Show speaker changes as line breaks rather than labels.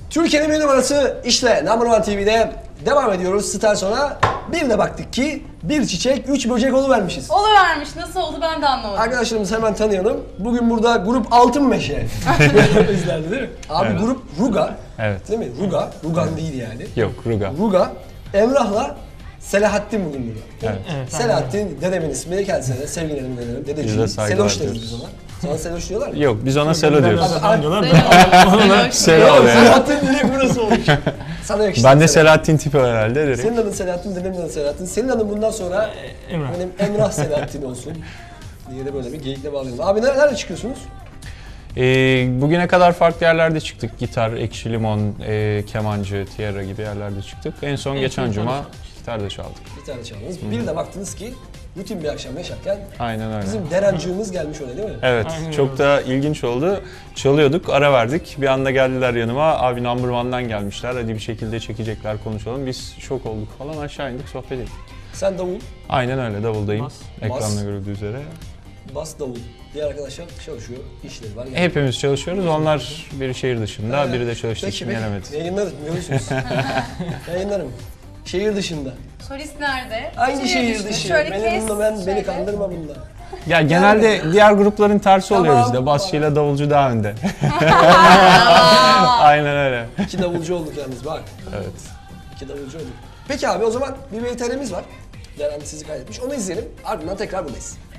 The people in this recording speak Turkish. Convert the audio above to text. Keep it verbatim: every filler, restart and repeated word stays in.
Türkiye'nin bir numarası işte Number One T V'de devam ediyoruz. Star sonra bir de baktık ki bir çiçek, üç böcek oluvermişiz.
Oluvermiş. Nasıl oldu ben de anlamadım.
Arkadaşlarımızı hemen tanıyalım. Bugün burada grup Altın Meşe izlendi değil mi? Abi
Evet.
grup Ruga.
Evet.
Değil mi? Ruga. Rugan değil yani.
Yok, Ruga.
Ruga. Emrah'la Selahattin bugün burada.
Evet.
Evet,
Selahattin dedemin ismi. Kendisine de sevgilerimi veririm.
Biz de
Dedeciğim.
saygılar
Seloş deriz
diyoruz.
biz ona. Sana Seloş diyorlar mı?
Yok, biz ona Selo diyoruz.
Abi,
diyorlar.
Selam.
Selo
Oğlum,
be.
Selahattin direkt burası olmuş. Sana yakıştı.
Ben de Selahattin tipi herhalde direkt.
Senin adın Selahattin, dedemin adı Selahattin. Senin adın bundan sonra
Emrah.
benim Emrah Selahattin olsun diye de böyle bir geyikle bağlayalım. Abi nerede çıkıyorsunuz?
Ee, bugüne kadar farklı yerlerde çıktık. Gitar, Ekşi Limon, e, kemancı, tiyara gibi yerlerde çıktık. En son
En
geçen
son
cuma
konuştuk.
gitar da çaldık.
Bir tane çaldınız. Bir de baktınız ki rutin bir akşam yaşarken
Aynen öyle.
bizim Derencığımız gelmiş öyle değil mi?
Evet,
Aynen
çok
öyle.
da ilginç oldu. Çalıyorduk, ara verdik. Bir anda geldiler yanıma. Abi Number One'dan gelmişler. Hadi bir şekilde çekecekler, konuşalım. Biz şok olduk falan. Aşağı indik, sohbet ettik.
Sen davul,
Aynen öyle, davuldayım.
Bas.
Ekranda
Bas.
görüldüğü üzere.
bas davul. Diğer arkadaşlar çalışıyor, işleri var. Yani.
Hepimiz çalışıyoruz. Onlar biri şehir dışında,
Evet.
biri de çalıştığı
Peki,
için
peki.
gelemedi.
Yayınlarım, görürsünüz. Yayınlarım. Şehir dışında.
Solist nerede?
Aynı şehir
dışı.
dışı.
Şöyle
Benim
kes.
bunda ben, beni
şöyle.
kandırma bunda.
Ya genelde diğer grupların tersi oluyor
Tamam.
bizde. Basçıyla davulcu daha önde. Aynen öyle.
İki davulcu olduk yalnız bak.
Evet.
İki davulcu olduk. Peki abi o zaman bir V T R'miz var. Deren sizi kaydetmiş. Onu izleyelim. Ardından tekrar buradayız.